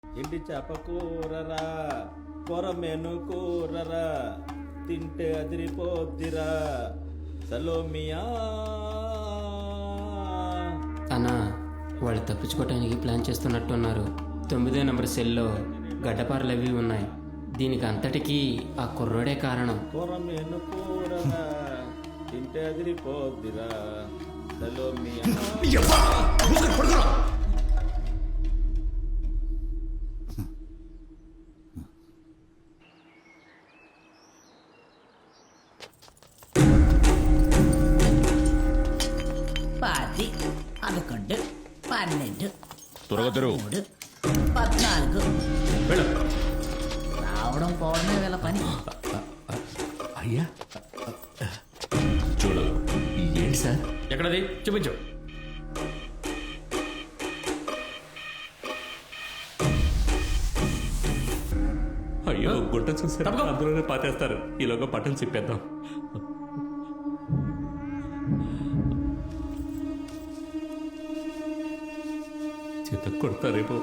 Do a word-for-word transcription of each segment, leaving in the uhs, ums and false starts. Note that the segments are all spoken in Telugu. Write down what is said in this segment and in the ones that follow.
ఎండి చేప కూరరా కొరమేను కూరరా తింటే అదిరిపోద్దిరా సలోమియా. అన్నా వాళ్ళు తప్పించుకోవటానికి ప్లాన్ చేస్తున్నట్టున్నారు. తొమ్మిదో నెంబర్ సెల్లో గడ్డపారలు అవి ఉన్నాయి. దీనికి అంతటికీ ఆ కుర్రోడే కారణం. కొరమేను కూరరా తింటే అదిరిపోద్దిరా సలోమియా. పది పదకొండు పన్నెండు త్వరగా తెరువు. మూడు పద్నాలుగు. రావడం పోవడమే వీళ్ళ పని. అయ్యా చూడు ఏంటి సార్? ఎక్కడది చూపించు. అయ్యో గుట్ట చూసారు, అందులోనే పాతేస్తారు. ఈలోగా పట్టం చెప్పేద్దాం. చేత కొడతారేమో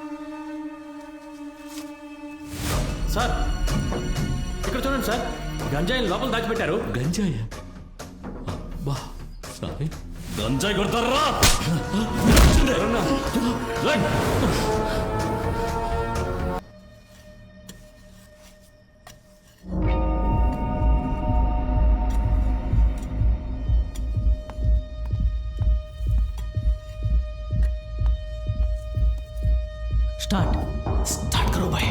సార్ ఇక్కడ చూడండి సార్, గంజాయిని లోపల దాచిపెట్టారు. గంజాయ బా సారీ గంజాయి కొడతారా? స్టార్ట్ స్టార్ట్ కరో బాయ్.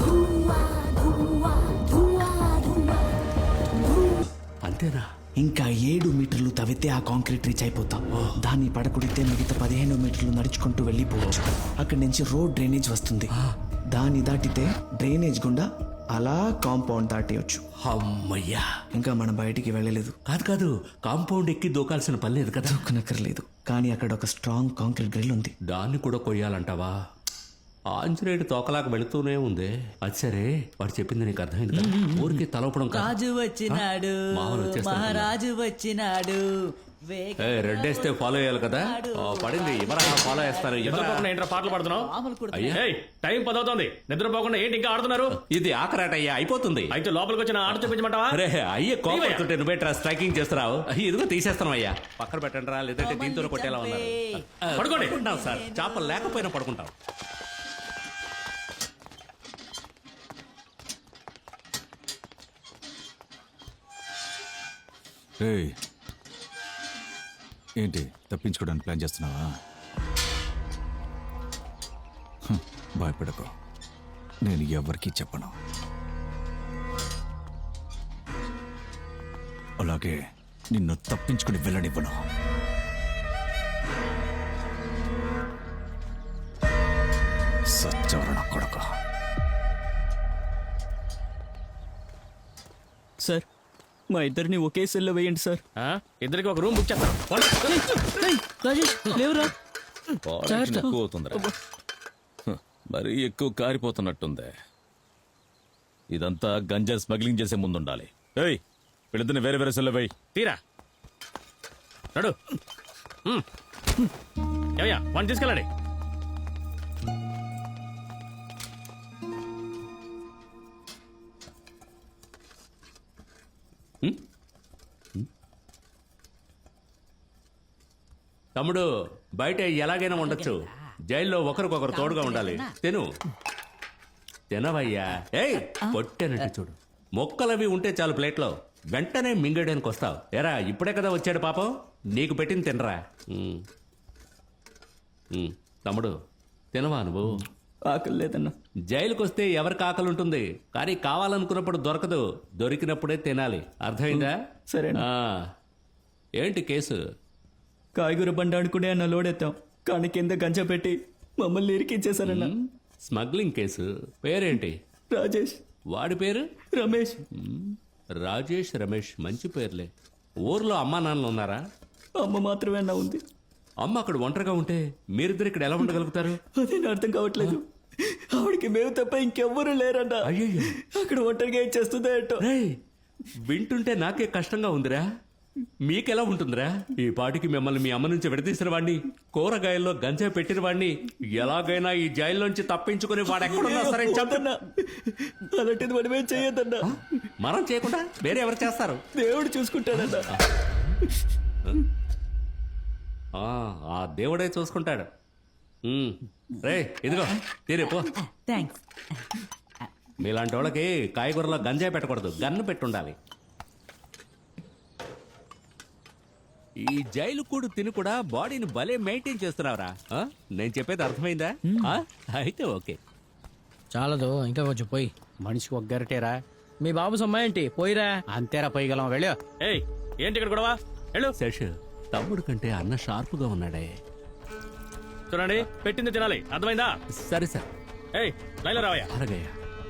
అంతేనా? ఇంకా ఏడు మీటర్లు తవ్వితే ఆ కాంక్రీట్ రీచ్ అయిపోతాం. దాన్ని పడకుడితే మిగతా పదిహేను మీటర్లు నడుచుకుంటూ వెళ్ళిపోవచ్చు. అక్కడి నుంచి రోడ్ డ్రైనేజ్ వస్తుంది. దాన్ని దాటితే డ్రైనేజ్ గుండా అలా కాంపౌండ్ దాటేయచ్చు. అమ్మయ్యా. ఇంకా మనం బయటికి వెళ్ళలేదు. కాదు కాదు కాంపౌండ్ ఎక్కి దూకాల్సిన పని లేదు కదా. దొక్కనక్కర్లేదు. కానీ అక్కడ ఒక స్ట్రాంగ్ కాంక్రీట్ గ్రిల్ ఉంది. దాన్ని కూడా కొయ్యాలంటావా? ఆంజనేయుడు తోకలాగా వెళుతూనే ఉంది. అది సరే, వాడు చెప్పింది నీకు అర్థమైంది కదా? ఊరికి తలపడం కాదు. రాజు వచ్చినాడు, మామూలు వచ్చేస్తాడు. మహారాజు వచ్చినాడు. ఏ రెడ్ వేస్తే ఫాలో అయ్యాలి కదా. ఆ, పడింది ఎవరా ఫాలో చేస్తారు? నిద్రపోకుండా ఏంట్రా పాటలు పాడుతున్నావు? మామూలు కొడుకు. అయ్యా ఏయ్, టైం పదవుతోంది, నిద్రపోకుండా ఏంటి ఇంకా ఆడుతున్నారు? ఇది ఆఖరాట అయ్యా, అయిపోతుంది. అయితే లోపలికి వచ్చిన ఆట చూపించమంటావా? అరే అయ్యే కోపడుతుంటే నువ్వేట్రా స్ట్రైకింగ్ చేస్తున్నావు? ఇదిగో తీసేస్తాం అయ్యా. పక్కన పెట్టండి రా, లేదంటే దీంతో కొట్టేలా ఉన్నారు. పడుకోండి. పడుకుంటాం సార్, చేపలు లేకపోయినా పడుకుంటాం. ఏయ్, ఏంటి తప్పించుకోవడానికి ప్లాన్ చేస్తున్నావా? హ్మ్, భయపడకు, నేను ఎవరికీ చెప్పను. అలాగే నిన్ను తప్పించుకుని వెళ్ళనివ్వను. సత్యవరణ కొడక. సార్ మా ఇద్దరిని ఒకే సెల్లో వేయండి సార్. ఆ? ఇద్దరికి ఒక రూమ్ బుక్ చేస్తాను. రాజేష్ లేవురా. ఎక్కువ అవుతుందిరా, మరీ ఎక్కువ కారిపోతున్నట్టుంది. ఇదంతా గంజా స్మగ్లింగ్ చేసే ముందు ఉండాలి. ఏయ్, వీళ్ళిద్దరిని వేరే వేరే సెల్లో వేయి. తీరా నడు. ఉమ్. ఏమయ్యా వన్ తీసుకెళ్ళండి. తమ్ముడు, బయట ఎలాగైనా ఉండొచ్చు, జైల్లో ఒకరికొకరు తోడుగా ఉండాలి. తిను తినవయ్యా. ఏయ్ పొట్టేనట్టు చూడు. మొక్కలవి ఉంటే చాలు ప్లేట్లో, వెంటనే మింగేయడానికి వస్తావు. ఎరా ఇప్పుడే కదా వచ్చాడు పాపం, నీకు పెట్టింది తినరా. ఉమ్. ఉమ్. తమ్ముడు తినవా నువ్వు? ఆకలి లేదన్నా. జైలుకి వస్తే ఎవరికి ఆకలి ఉంటుంది, కానీ కావాలనుకున్నప్పుడు దొరకదు. దొరికినప్పుడే తినాలి, అర్థమైందా? సరేనా. ఆ. ఏంటి కేసు? కాయగూర బండి ఆడుకునే అన్న లోడెత్తాం, కానీ కింద గంజ పెట్టి మమ్మల్ని ఇరికించేశారన్న. Smuggling case. పేరేంటి? రాజేష్. వాడి పేరు? రమేష్. మ్మ్. రాజేష్, రమేష్ మంచి పేర్లే. ఊర్లో అమ్మా నాన్నలు ఉన్నారా? అమ్మ మాత్రమే అన్న ఉంది. అమ్మ అక్కడ ఒంటరిగా ఉంటే మీరిద్దరు ఇక్కడ ఎలా ఉండగలుగుతారు? అదే నా అర్థం కావట్లేదు. ఆవిడికి మేము తప్ప ఇంకెవ్వరూ లేరన్న. అయ్యయ్యో. అక్కడ ఒంటరిగా ఏం చేస్తుందో ఏంటో. రేయ్, వింటుంటే నాకే కష్టంగా ఉందిరా. మీకెలా ఉంటుందిరా? ఈ పాటికి మిమ్మల్ని మీ అమ్మ నుంచి విడదీసిన వాడిని, కూరగాయల్లో గంజా పెట్టిన వాడిని ఎలాగైనా ఈ జైల్లోంచి తప్పించుకుని వాడు ఎక్కడున్నా సరే చంపన్నా. అలాంటిది మనమేం చెయ్యొద్దన్నా. మనం చేయకుండా వేరే ఎవరు చేస్తారు? దేవుడు చూసుకుంటాడన్నా. ఆ, ఆ దేవుడే చూసుకుంటాడు. ఉమ్, రే ఇదిగో తీరే పో. థ్యాంక్స్. మీలాంటి వాళ్ళకి కాయగూరలో గంజాయి పెట్టకూడదు, గన్ను పెట్టుండాలి. ఈ జైలు కూడు తిని కూడా బాడీని భలే మెయింటైన్ చేస్తున్నావురా. ఆ? నేను చెప్పేది అర్థమైందా? ఆ? అయితే ఓకే. చాలదు, ఇంకా కొంచెం పోయి. మనిషికి ఒక గరిటేరా. మీ బాబు సొమ్మ ఏంటి పోయిరా. అంతేరా పోయగలం. వెళ్ళా. ఏయ్ ఏంటి ఇక్కడ గొడవ? వెళ్ళు. శేష్, తమ్ముడు కంటే అన్న షార్ప్గా ఉన్నాడే. చూడండి, పెట్టింది తినాలి, అర్థమైందా? సరే సార్. ఏయ్ లైన్లో రావయ్యా. అలాగయ్యా.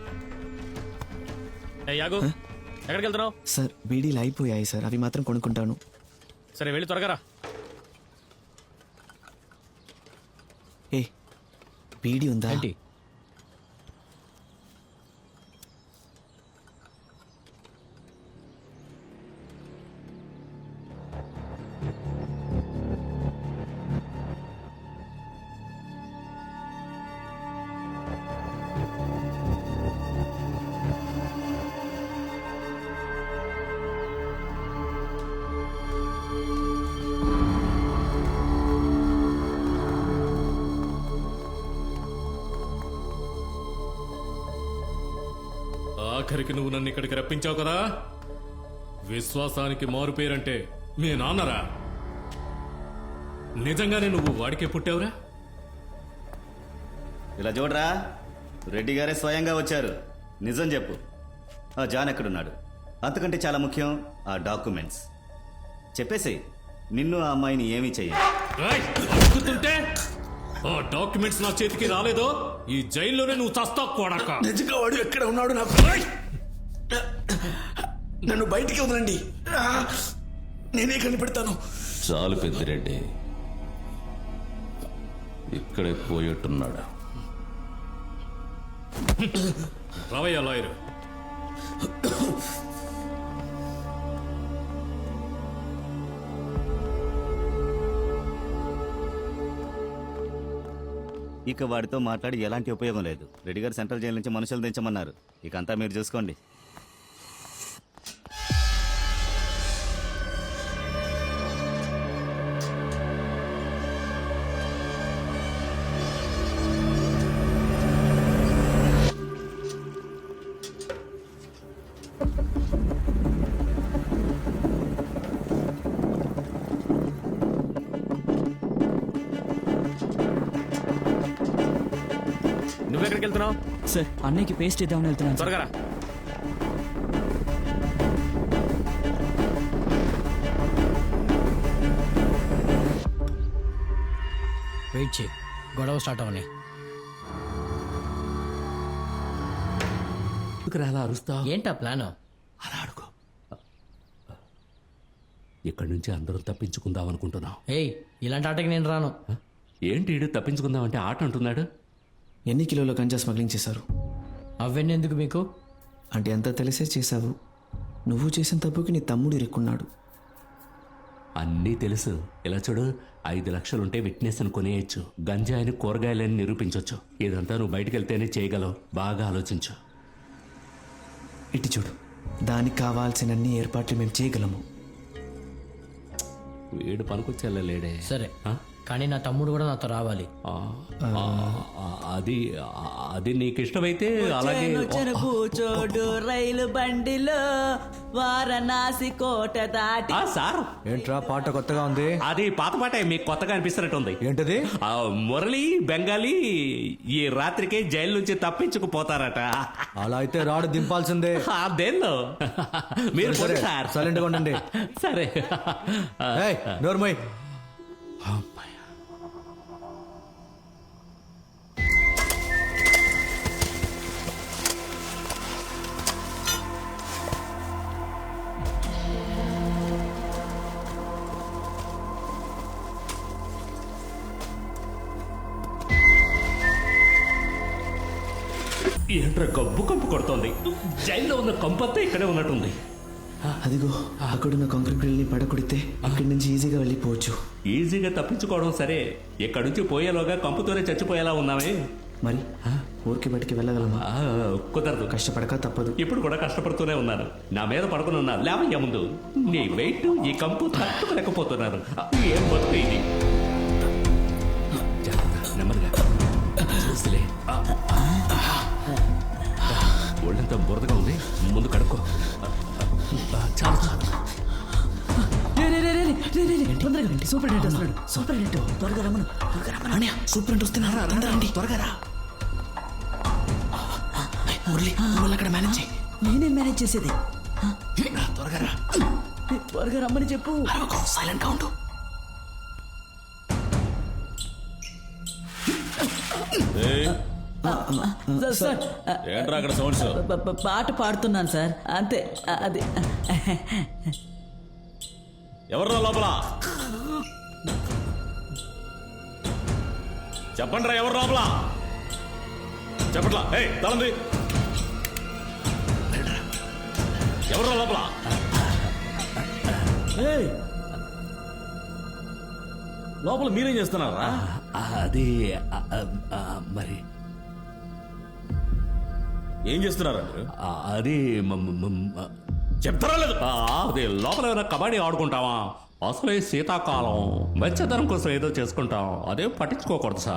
ఏయ్ యాగు, ఎక్కడికి వెళ్తున్నావు? సార్ బీడీలు అయిపోయాయి సార్, అవి మాత్రం కొనుక్కుంటాను. సరే వెళ్ళి త్వరగా రా. ఏ బీడీ ఉందా? ఏంటి? ఆఖరికి నువ్వు నన్ను ఇక్కడికి రప్పించావు కదా. విశ్వాసానికి మారు పేరంటే మీ నాన్నరా? నిజంగానే నువ్వు వాడికే పుట్టావురా? ఇలా చూడరా, రెడ్డి గారే స్వయంగా వచ్చారు. నిజం చెప్పు, ఆ జాన్ ఎక్కడున్నాడు? అంతకంటే చాలా ముఖ్యం ఆ డాక్యుమెంట్స్. చెప్పేసి నిన్ను ఆ అమ్మాయిని ఏమీ చెయ్యాలి. అడుగుతుంటే ఆ డాక్యుమెంట్స్ నా చేతికి రాలేదో ఈ జైల్లోనే నువ్వు చస్తావు కొడక. నిజంగా వాడు ఎక్కడ ఉన్నాడు నాకు? నన్ను బయటికి వదలండి, నేనే కనిపెడతాను. చాలు పెద్దిరెడ్డి, ఇక్కడే పోయేట్టున్నాడు. రావయ్యా లాయరు. ఇక వాడితో మాట్లాడి ఎలాంటి ఉపయోగం లేదు. రెడ్డి గారు సెంట్రల్ జైలు నుంచి మనుషులు దించమన్నారు. ఇక అంతా మీరు చూసుకోండి. నువ్వెక్కడికి వెళ్తున్నావు? సార్ అన్నయ్యకి పేస్ట్ ఇద్దామని వెళ్తున్నాను సార్. త్వరగా రా. వెయిట్ చేయి, గొడవ స్టార్ట్ అవని. అలా అరుస్తా. ఏంటా ప్లాన్? అలా అడుగు. ఇక్కడి నుంచి అందరం తప్పించుకుందాం అనుకుంటున్నాం. ఏయ్, ఇలాంటి ఆటకి నేను రాను. ఏంటి ఈడు తప్పించుకుందాం అంటే ఆట అంటున్నాడు? ఎన్ని కిలోల గంజా స్మగ్లింగ్ చేశారు? అవన్నీ ఎందుకు మీకు? అంటే అంతా తెలిసే చేశావు. నువ్వు చేసిన తప్పుకి నీ తమ్ముడు ఇరుక్కున్నాడు. అన్నీ తెలుసు. ఇలా చూడు, ఐదు లక్షలుంటే విట్నెస్ అని కొనేయచ్చు, గంజాయిని కూరగాయలని నిరూపించవచ్చు. ఇదంతా నువ్వు బయటకు వెళ్తేనే చేయగలవు. బాగా ఆలోచించు. ఇటు చూడు, దానికి కావాల్సినన్ని ఏర్పాట్లు మేము చేయగలము. వీడు పనికొచ్చేళ్ళలేడే. సరే, కానీ నా తమ్ముడు కూడా నాతో రావాలి. అది అది నీకు ఇష్టమైతే అలాగే. కూచోడు రైలు బండిలో వారణాసి కోట దాటి. సార్ ఏంట్రా పాట కొత్తగా ఉంది? అది పాత పాటే, మీకు కొత్తగా అనిపిస్తున్నట్టుంది. ఏంటది? మురళి బెంగాలీ ఈ రాత్రికే జైలు నుంచి తప్పించుకుపోతారట. అలా అయితే రాడు దింపాల్సిందే. అదేందో మీరు సార్ సైలెంట్ గా ఉండండి. సరే. నోర్మయ్. ఏంట్రా గబ్బు కంపు కొడుతోంది? జైల్లో ఉన్న కంపంతా ఇక్కడే ఉన్నట్టుంది. అదిగో అక్కడున్న కాంక్రీట్ డ్రిల్ని పడకొడితే ఇక్కడి నుంచి ఈజీగా వెళ్ళిపోవచ్చు. ఈజీగా తప్పించుకోవడం సరే, ఇక్కడి నుంచి పోయేలోగా కంపుతోనే చచ్చిపోయేలా ఉన్నామే. మరి ఊరికి బయటికి వెళ్ళగలమా? ఆ, కుదరదు. కష్టపడక తప్పదు. ఇప్పుడు కూడా కష్టపడుతూనే ఉన్నారు. నా మీద పడుకుని ఉన్నారు. లేవయ్యా ముందు. నీ వెయిట్ ఈ కంపు తట్టుకోలేకపోతున్నారు. ఏం బతుకు ఇది. జాగ్రత్త, నెమ్మదిగా చూసిలే. ఒళ్ళంతా బురదగా ఉంది, ముందు కడుక్కో. చాలు చాలు. సూపరింటెండెంట్ వస్తున్నాడు. సూపరింటెండెంట్ త్వరగా రమ్మను, త్వరగా రమ్మను. అన్నయ్య సూపరింట్ వస్తున్నారా? రండి రండి, త్వరగా రా. మురళి నువ్వు అక్కడ మేనేజ్ చేయి. నేనే మేనేజ్ చేసేది. త్వరగా రా. త్వరగా రమ్మని చెప్పు. సైలెంట్ గా ఉండు. ఏయ్, సార్, సార్ ఏంట్రా అక్కడ సౌండ్స్? ప- ప- పాట పాడుతున్నాను సార్, అంతే. అ- అది ఎవర్రా లోపల? చెప్పండి రా, ఎవరు లోపల? చెప్పట్లా? ఏయ్, తలంది. ఎవర్రా లోపల? ఏయ్, లోపల మీరేం చేస్తున్నారా? అది ఆ, ఆ, మరి ఏం చేస్తున్నారా మీరు? ఆ, అది మ- మ- మ- చెప్తారా లేదు? ఆ, అది లోపల ఏమైనా కబడ్డీ ఆడుకుంటావా? అసలే శీతాకాలం, వెచ్చదనం కోసం ఏదో చేసుకుంటాం. అదే పట్టించుకోకూడదు సార్.